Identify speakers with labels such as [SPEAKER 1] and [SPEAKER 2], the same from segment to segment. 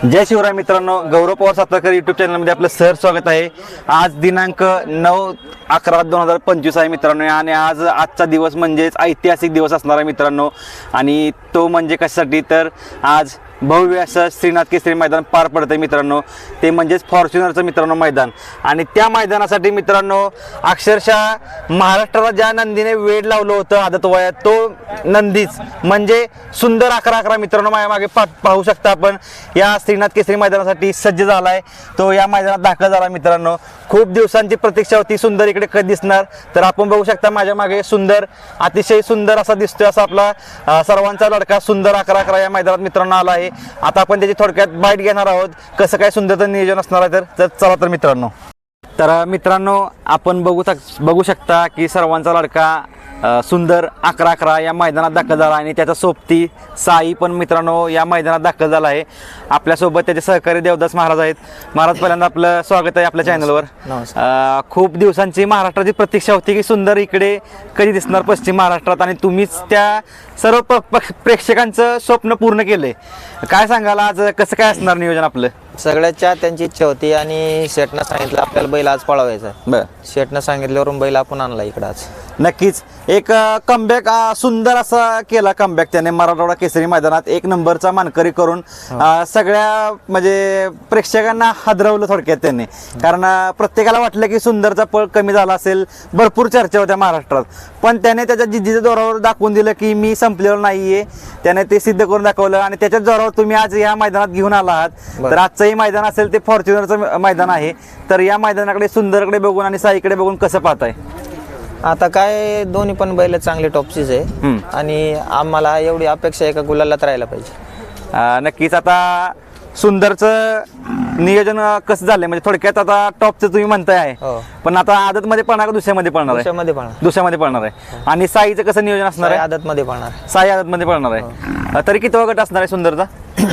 [SPEAKER 1] जय शिवराय मित्रांनो, गौरव पवार सातारकर यूट्यूब चॅनलमध्ये आपलं सहर्ष स्वागत आहे। आज दिनांक 9/11/2025 आहे मित्रांनो, आणि आजचा दिवस म्हणजेच ऐतिहासिक दिवस असणार आहे मित्रांनो। आणि तो म्हणजे कशासाठी तर आज भव्य असं श्रीनाथ केसरी मैदान पार पडतं मित्रांनो, ते म्हणजेच फॉर्च्युनरचं मित्रांनो मैदान। आणि त्या मैदानासाठी मित्रांनो अक्षरशः महाराष्ट्राला ज्या नंदीने वेड लावलं होतं आदत वयात, तो नंदीच म्हणजे सुंदर 11-11 मित्रांनो माझ्या मागे पाहू शकता आपण या श्रीनाथ केसरी मैदानासाठी सज्ज झालाय। तो या मैदानात दाखल झाला मित्रांनो। खूप दिवसांची प्रतीक्षा होती, सुंदर इकडे कधी दिसणार, तर आपण बघू शकता माझ्या मागे सुंदर, अतिशय सुंदर असा दिसतोय असा आपला सर्वांचा लडका सुंदर 11-11 या मैदानात मित्रांनो आला आहे। आता आपण त्याची थोडक्यात बाईट घेणार आहोत, कसं काय सुंदरचं नियोजन असणार आहे तर चला तर मित्रांनो। तर मित्रांनो आपण बघू शकता की सर्वांचा लडका सुंदर 11-11 या मैदानात दाखल झाला, आणि त्याचा सोबती साई पण मित्रांनो या मैदानात दाखल झाला आहे। आपल्यासोबत त्याचे सहकारी देवदास महाराज आहेत। महाराज, पहिल्यांदा आपलं स्वागत आहे आपल्या चॅनलवर। खूप दिवसांची महाराष्ट्राची प्रतीक्षा होती की सुंदर इकडे कधी दिसणार पश्चिम महाराष्ट्रात, आणि तुम्हीच त्या सर्व प्रेक्षकांचं स्वप्न पूर्ण केले। काय सांगाल आज कसं काय असणार नियोजन आपलं?
[SPEAKER 2] सगळ्याच्या त्यांची इच्छा होती, आणि शेटनं सांगितलं आपल्याला बैल आज पळवायचा।
[SPEAKER 1] बरं,
[SPEAKER 2] शेटनं सांगितल्यावरून बैल आपण आणला इकडं आज।
[SPEAKER 1] नक्कीच एक कमबॅक सुंदर असा केला कमबॅक त्याने मराठवाडा केसरी मैदानात, एक नंबरचा मानकरी करून सगळ्या म्हणजे प्रेक्षकांना हादरवलं थोडक्यात त्यांनी। कारण प्रत्येकाला वाटलं की सुंदरचा पळ कमी झाला असेल, भरपूर चर्चा होत्या महाराष्ट्रात, पण त्याने त्याच्या जिद्दीच्या जोरावर दाखवून दिलं की मी संपलेलो नाहीये। त्याने ते सिद्ध करून दाखवलं, आणि त्याच्याच जोरावर तुम्ही आज या मैदानात घेऊन आला आहात। तर आजचंही मैदान असेल ते फॉर्च्युनरचं मैदान आहे, तर या मैदानाकडे सुंदरकडे बघून आणि साईकडे बघून कसं पाहताय?
[SPEAKER 2] आता काय दोन्ही पण बैल चांगले टॉपचीच आहे, आणि आम्हाला एवढी अपेक्षा आहे का गुलालात राहायला पाहिजे।
[SPEAKER 1] नक्कीच आता सुंदरचं नियोजन कसं झालंय म्हणजे थोडक्यात आता टॉपचं तुम्ही म्हणताय आहे, पण आता आदत मध्ये पळणार का दुसऱ्यामध्ये पळणार आहे? दुसऱ्यामध्ये पळणार आहे। आणि साईचं कसं नियोजन असणार आहे?
[SPEAKER 2] आदत मध्ये पळणार,
[SPEAKER 1] साई आदत मध्ये पळणार आहे। तरी किती गट असणार आहे सुंदरचा?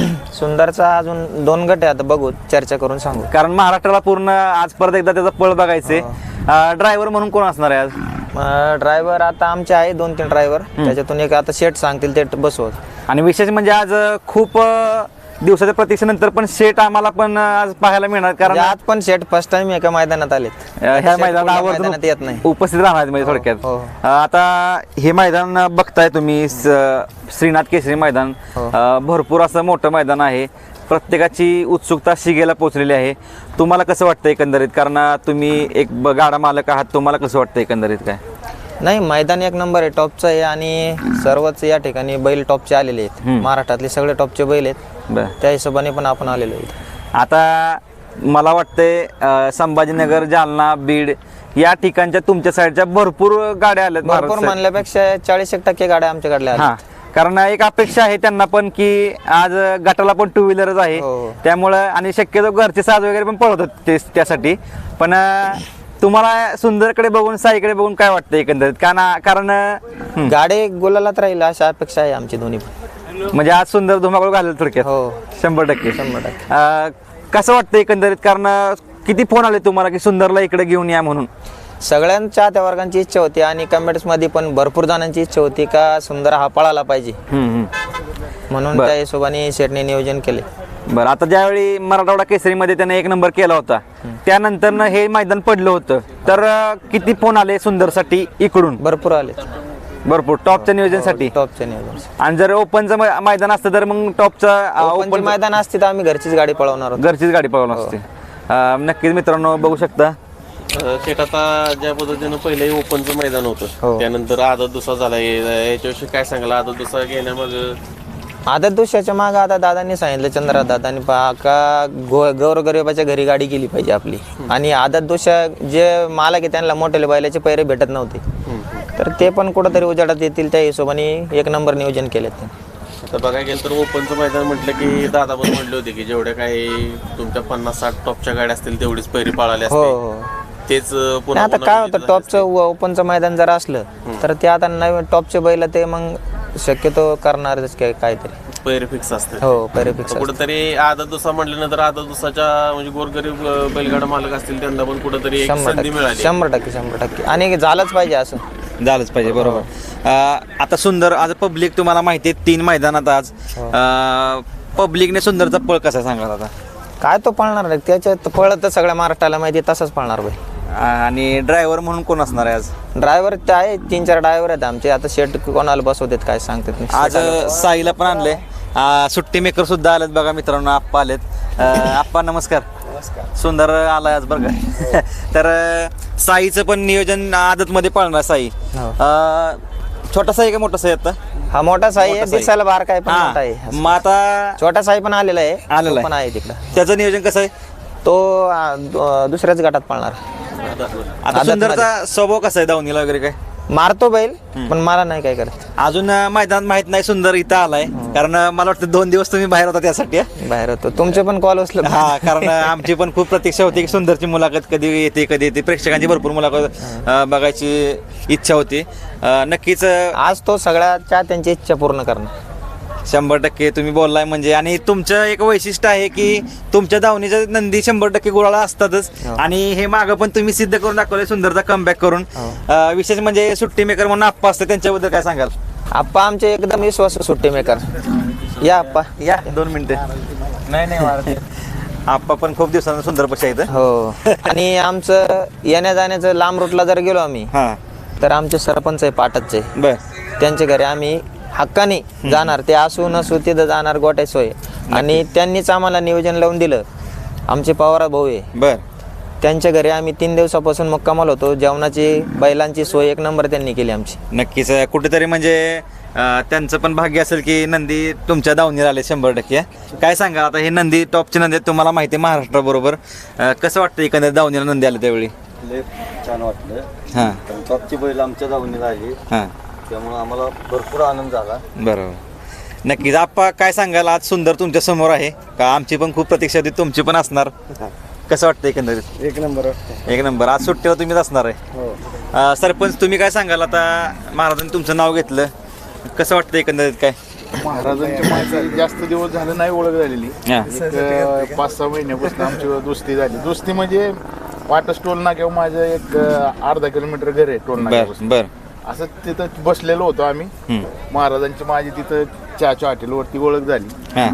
[SPEAKER 2] सुंदरचा अजून 2 गट आहे, आता बघू चर्चा करून सांगू।
[SPEAKER 1] कारण महाराष्ट्राला पूर्ण आज परत एकदा त्याचा पळ बघायचे। ड्रायव्हर म्हणून कोण असणार आहे आज?
[SPEAKER 2] ड्रायव्हर आता आमचे आहे 2-3 ड्रायव्हर, त्याच्यातून एक आता शेट सांगतील ते बसवत।
[SPEAKER 1] आणि विशेष म्हणजे आज खूप दिवसाच्या प्रतीक्षेनंतर पण शेट आम्हाला पण आज पाहायला मिळणार, कारण
[SPEAKER 2] आज पण शेट फर्स्ट टाइम एका मैदानात आलेत,
[SPEAKER 1] ह्या मैदानात
[SPEAKER 2] येत नाही,
[SPEAKER 1] उपस्थित राहणार म्हणजे थोडक्यात। आता हे मैदान बघताय तुम्ही, श्रीनाथ केसरी मैदान भरपूर असं मोठं मैदान आहे। प्रत्येकाची उत्सुकता शिगेला पोहोचलेली आहे। तुम्हाला कसं वाटतं एकंदरीत? कारण तुम्ही एक गाडा मालक आहात, तुम्हाला कसं वाटतं एकंदरीत? काय
[SPEAKER 2] नाही, मैदान एक नंबर आहे, टॉपचं आहे, आणि सर्वच या ठिकाणी बैल टॉपचे आलेले आहेत। महाराष्ट्रातले सगळे टॉपचे बैल आहेत, त्या हिशोबाने पण आपण आलेलो आहेत।
[SPEAKER 1] आता मला वाटतंय संभाजीनगर, जालना, बीड या ठिकाणच्या तुमच्या साईडच्या भरपूर गाड्या आल्यात।
[SPEAKER 2] भरपूर म्हणल्यापेक्षा 40% गाड्या आमच्याकडल्या आल्या,
[SPEAKER 1] कारण एक अपेक्षा आहे त्यांना पण की आज गटाला पण 2 व्हीलरच आहे, त्यामुळं आणि शक्यतो घरचे साज वगैरे पण पळवतात ते त्यासाठी। पण तुम्हाला सुंदरकडे बघून साईकडे बघून काय वाटतं एकंदरीत? कारण
[SPEAKER 2] गाडी गुलालात राहील अशी अपेक्षा आहे आमची दोन्ही पण।
[SPEAKER 1] म्हणजे आज सुंदर धुमाकूळ घालेल थोडक्यात? 100%। कसं वाटतं एकंदरीत? कारण किती फोन आले तुम्हाला की सुंदरला इकडे घेऊन या म्हणून?
[SPEAKER 2] सगळ्यांच्या त्या वर्गांची इच्छा होती, आणि कमेंट्स मध्ये पण भरपूर जणांची इच्छा होती का सुंदर हा पळाला पाहिजे, म्हणून त्या हिशोबाने शेटने नियोजन केले।
[SPEAKER 1] बरं, आता ज्यावेळी मराठवाडा केसरीमध्ये त्याने 1 नंबर केला होता, त्यानंतर हे मैदान पडलं होतं, तर किती फोन आले सुंदरसाठी इकडून?
[SPEAKER 2] भरपूर आले,
[SPEAKER 1] भरपूर टॉपच्या नियोजनासाठी।
[SPEAKER 2] टॉपच्या नियोजन,
[SPEAKER 1] आणि जर ओपनचं मैदान असतं तर मग
[SPEAKER 2] ओपन मैदान असते तर आम्ही घरचीच गाडी पळवणार,
[SPEAKER 1] घरचीच गाडी पळवणार असते। नक्कीच मित्रांनो बघू शकता
[SPEAKER 3] शेट, आता ज्या पद्धतीनं पहिले ओपनचं मैदान होतं, त्यानंतर आदत दुसरा झाला, याच्याविषयी काय सांगाल? आदत दुसरा घेण्यामाग
[SPEAKER 2] आदत दुसऱ्याच्या माग आता दादांनी सांगितलं, चंद्रा दादांनी का गौरगरिबाच्या घरी गाडी गेली पाहिजे आपली, आणि आदत दुसऱ्या जे मालक आहे त्यांना मोठे बैलाचे पैरे भेटत नव्हते, तर ते पण कुठंतरी उजाडात येतील त्या हिशोबाने 1 नंबर नियोजन केले ते।
[SPEAKER 3] आता बघायला गेलं तर ओपनचं मैदान म्हटलं की दादा पण म्हटले होते की जेवढ्या काही तुमच्या 50-60 टॉपच्या गाड्या असतील तेवढीच पैरी पाळाले असते, तेच पुन्हा
[SPEAKER 2] आता काय होतं, टॉपचं ओपनचं मैदान जर असलं तर ते आता नवीन टॉपचे बैल ते मग शक्यतो करणारच काहीतरी
[SPEAKER 3] पैरे फिक्स असते।
[SPEAKER 2] पैरे फिक्स
[SPEAKER 3] कुठेतरी आदत दुसरा म्हटल्यानंतर आदत दुसराच्या म्हणजे गोरगरीब बैलगाडा मालक असतील त्यांना पण कुठेतरी एक संधी मिळाली।
[SPEAKER 2] 100%, आणि झालंच पाहिजे, असं
[SPEAKER 1] झालंच पाहिजे। बरोबर। आता सुंदर आज पब्लिक तुम्हाला माहिती आहे 3 मैदानात आज पब्लिकने सुंदरचा पळ कसा सांगा आता?
[SPEAKER 2] काय तो पळणार नाही त्याच्यात पळत तर सगळ्या महाराष्ट्राला माहिती आहे, तसंच पळणार बैल.
[SPEAKER 1] आणि ड्रायव्हर म्हणून कोण असणार आहे आज?
[SPEAKER 2] ड्रायव्हर ते आहे 3-4 ड्रायव्हर आहेत आमचे. आता शेट कोणाला बसवतात काय सांगतात नाही.
[SPEAKER 1] आज साईला पण आणले, सुट्टी मेकर सुद्धा आलेत बघा मित्रांनो, आप्पा आलेत. आप्पा नमस्कार. सुंदर आलाय आज बरं का. तर साईचं पण नियोजन आदत मध्ये पाळणार साई. छोटा साई का मोठा साई आता?
[SPEAKER 2] हा मोठा साई आहे,
[SPEAKER 1] मोठा साई.
[SPEAKER 2] दिसायला बार काय पण
[SPEAKER 1] हा.
[SPEAKER 2] मोठा आहे.
[SPEAKER 1] मग आता
[SPEAKER 2] छोटा साई पण आलेला आहे,
[SPEAKER 1] आलेला
[SPEAKER 2] तो पण आहे तिकडं.
[SPEAKER 1] त्याचं नियोजन कसं आहे?
[SPEAKER 2] तो दुसऱ्याच गटात पळणार.
[SPEAKER 1] आता सुंदरचा स्वभाव कसा आहे दावणीला वगैरे काय?
[SPEAKER 2] मारतो बैल पण मला नाही काय करत.
[SPEAKER 1] अजून मैदानात माहित नाही सुंदर इथं आलाय, कारण मला वाटतं 2 दिवस तुम्ही बाहेर होता त्यासाठी.
[SPEAKER 2] बाहेर होतो तुमचे पण कॉल उचलत.
[SPEAKER 1] हा, कारण आमची पण खूप प्रतीक्षा होती की सुंदरची मुलाखत कधी येते, प्रेक्षकांची भरपूर मुलाखत बघायची इच्छा होती. नक्कीच
[SPEAKER 2] आज तो सगळ्याच्या त्यांची इच्छा पूर्ण करणार.
[SPEAKER 1] 100% तुम्ही बोललाय म्हणजे. आणि तुमचं एक वैशिष्ट्य आहे की तुमच्या दावणीच्या नंदी 100% गुळाला असतातच. आणि हे मागं पण तुम्ही सिद्ध करून दाखवलंय सुंदरचा कमबॅक करून. विशेष म्हणजे सुट्टी मेकर म्हणून आप्पा असते, त्यांच्याबद्दल काय सांगाल?
[SPEAKER 2] आप्पा आमचे एकदम विश्वास सुट्टी मेकर. या आप्पा
[SPEAKER 1] या 2 मिनिटे. नाही आप्पा पण खूप दिवसांना सुंदर पशी आहेत.
[SPEAKER 2] हो. आणि आमचं येण्या जाण्याचं लांब रूटला जर गेलो आम्ही
[SPEAKER 1] हा
[SPEAKER 2] तर आमचे सरपंच आहे पाटचचे,
[SPEAKER 1] बर
[SPEAKER 2] त्यांच्या घरी आम्ही हक्काने जाणार. ते असू नसू तिथं जाणार, गोट्या सोय. आणि त्यांनीच आम्हाला नियोजन लावून दिलं. आमचे पवार भाऊ आहे,
[SPEAKER 1] बर.
[SPEAKER 2] त्यांच्या घरी आम्ही 3 दिवसापासून मुक्कामाल होतो. जेवणाची बैलांची सोय 1 नंबर त्यांनी केली आमची.
[SPEAKER 1] नक्कीच कुठेतरी म्हणजे त्यांचं पण भाग्य असेल की नंदी तुमच्या दावणीला आले 100%. काय सांगा आता, हे नंदी टॉपचे नंदी आहेत, तुम्हाला माहिती आहे महाराष्ट्राबरोबर. कसं वाटतं एकंदर दावणीला नंदी आले त्यावेळी?
[SPEAKER 4] छान वाटलं.
[SPEAKER 1] हां
[SPEAKER 4] टॉपची बैल आमच्या दावणीला आली,
[SPEAKER 1] हां
[SPEAKER 4] त्यामुळे आम्हाला भरपूर आनंद झाला.
[SPEAKER 1] बरोबर. नक्कीच आप्पा काय सांगाल, आज सुंदर तुमच्या समोर आहे का? आमची पण खूप प्रतीक्षा होती, तुमची पण असणार. कसं वाटतं एकंदरीत?
[SPEAKER 4] 1 नंबर.
[SPEAKER 1] 1 नंबर. आज सुट्टीवर तुम्हीच असणार आहे. सरपंच तुम्ही काय सांगाल आता, महाराजांनी तुमचं नाव घेतलं, कसं वाटतं एकंदरीत काय?
[SPEAKER 5] महाराजांची माणसं जास्त दिवस झालं नाही ओळख झालेली.
[SPEAKER 1] हां
[SPEAKER 5] 5-6 महिन्यापासून आमची दोस्ती झाली. दोस्ती म्हणजे वाटस टोल नाक्यावर माझं एक अर्धा किलोमीटर घर आहे टोल
[SPEAKER 1] बर
[SPEAKER 5] नाक्यापासून.
[SPEAKER 1] बर.
[SPEAKER 5] असं तिथं बसलेलो होतो आम्ही. महाराजांची माझी तिथं चहाच्या हॉटेलवरती ओळख झाली.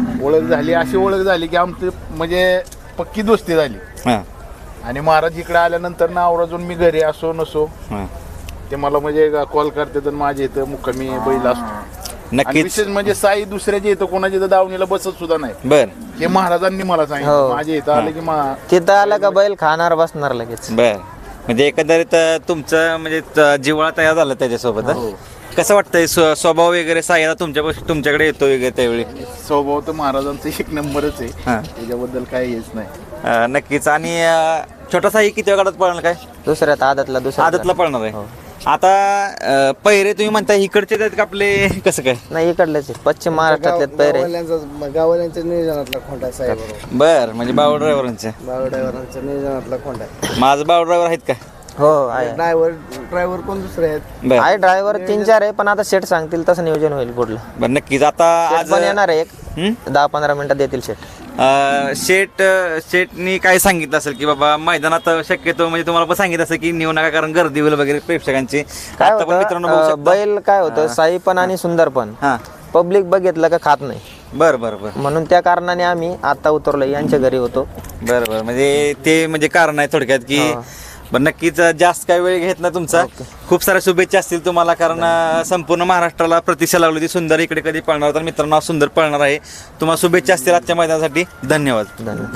[SPEAKER 5] अशी ओळख झाली की आमची म्हणजे पक्की दोस्ती झाली.
[SPEAKER 1] हां
[SPEAKER 5] आणि महाराज इकडे आल्यानंतर ना आवराजून मी घरी असो नसो
[SPEAKER 1] हां
[SPEAKER 5] ते मला म्हणजे कॉल करतात आणि माझ्या इथं मुक्कामी बैल असतो. आणि
[SPEAKER 1] नक्कीच.
[SPEAKER 5] विशेष म्हणजे साई दुसऱ्याच्या इथं कोणाच्या इथं दावणीला बसत सुद्धा नाही.
[SPEAKER 1] बर
[SPEAKER 5] हे महाराजांनी मला सांगितलं.
[SPEAKER 2] हो.
[SPEAKER 5] माझ्या इथं आलं की
[SPEAKER 2] तिथं आलं का बैल खाणार बसणार लगेच.
[SPEAKER 1] बर. म्हणजे एकंदरीत तुमचं म्हणजे जिव्हाळा तयार झाला त्याच्यासोबत. कसं वाटतंय स्वभाव वगैरे साईला तुमच्याकडे येतो वगैरे त्यावेळी?
[SPEAKER 5] स्वभाव तर महाराजांचा 1 नंबरच आहे,
[SPEAKER 1] हां
[SPEAKER 5] त्याच्याबद्दल काही हेच नाही.
[SPEAKER 1] नक्कीच. आणि छोटा साई किती वेळात पळणार काय?
[SPEAKER 2] दुसऱ्यात आदतला
[SPEAKER 1] आदतला पळणार आहे. आता पहिरे तुम्ही म्हणताय इकडचे आहेत का आपले, कसं काय?
[SPEAKER 2] नाही इकडलेच आहे. पश्चिम महाराष्ट्रातले पैरे.
[SPEAKER 4] गाववाल्यांच्या नियोजनातला खोंडा साहेब,
[SPEAKER 1] बर. म्हणजे बाव ड्रायव्हरांचे.
[SPEAKER 4] बाळ ड्रायव्हरांच्या नियोजनातला खोंडा.
[SPEAKER 1] माझं बाव ड्रायव्हर आहेत का?
[SPEAKER 2] हो आहे.
[SPEAKER 4] ड्रायव्हर कोण दुसरे आहेत?
[SPEAKER 1] बर
[SPEAKER 2] आहे ड्रायव्हर 3-4 आहे, पण आता सेट सांगतील तसं नियोजन होईल पुढलं.
[SPEAKER 1] बर. नक्कीच. आता
[SPEAKER 2] सेट
[SPEAKER 1] आज
[SPEAKER 2] पण येणार आहे एक
[SPEAKER 1] हं?
[SPEAKER 2] 10-15 मिनिटात देतील सेट.
[SPEAKER 1] शेटनी काय सांगितलं असेल की बाबा मैदानात शक्यतो म्हणजे तुम्हाला पण सांगितलं असेल की नेऊ नका कारण गर्दी होईल वगैरे प्रेक्षकांची.
[SPEAKER 2] काय
[SPEAKER 1] आता पण मित्रांनो बघू
[SPEAKER 2] होतं
[SPEAKER 1] शकता.
[SPEAKER 2] बैल काय होतं, साई पण आणि सुंदर पण
[SPEAKER 1] हां
[SPEAKER 2] पब्लिक बघितलं का खात नाही.
[SPEAKER 1] बर बर बर
[SPEAKER 2] म्हणून त्या कारणाने आम्ही आता उतरलो, यांच्या घरी होतो.
[SPEAKER 1] बर बर. म्हणजे ते म्हणजे कारण आहे थोडक्यात की पण नक्कीच जास्त काही वेळ घेत ना तुमचा. खूप साऱ्या शुभेच्छा असतील तुम्हाला, कारण संपूर्ण महाराष्ट्राला प्रतीक्षा लागली होती सुंदर इकडे कधी पळणार. तर मित्रांनो सुंदर पळणार आहे. तुम्हाला शुभेच्छा असतील आजच्या मैदानासाठी. धन्यवाद.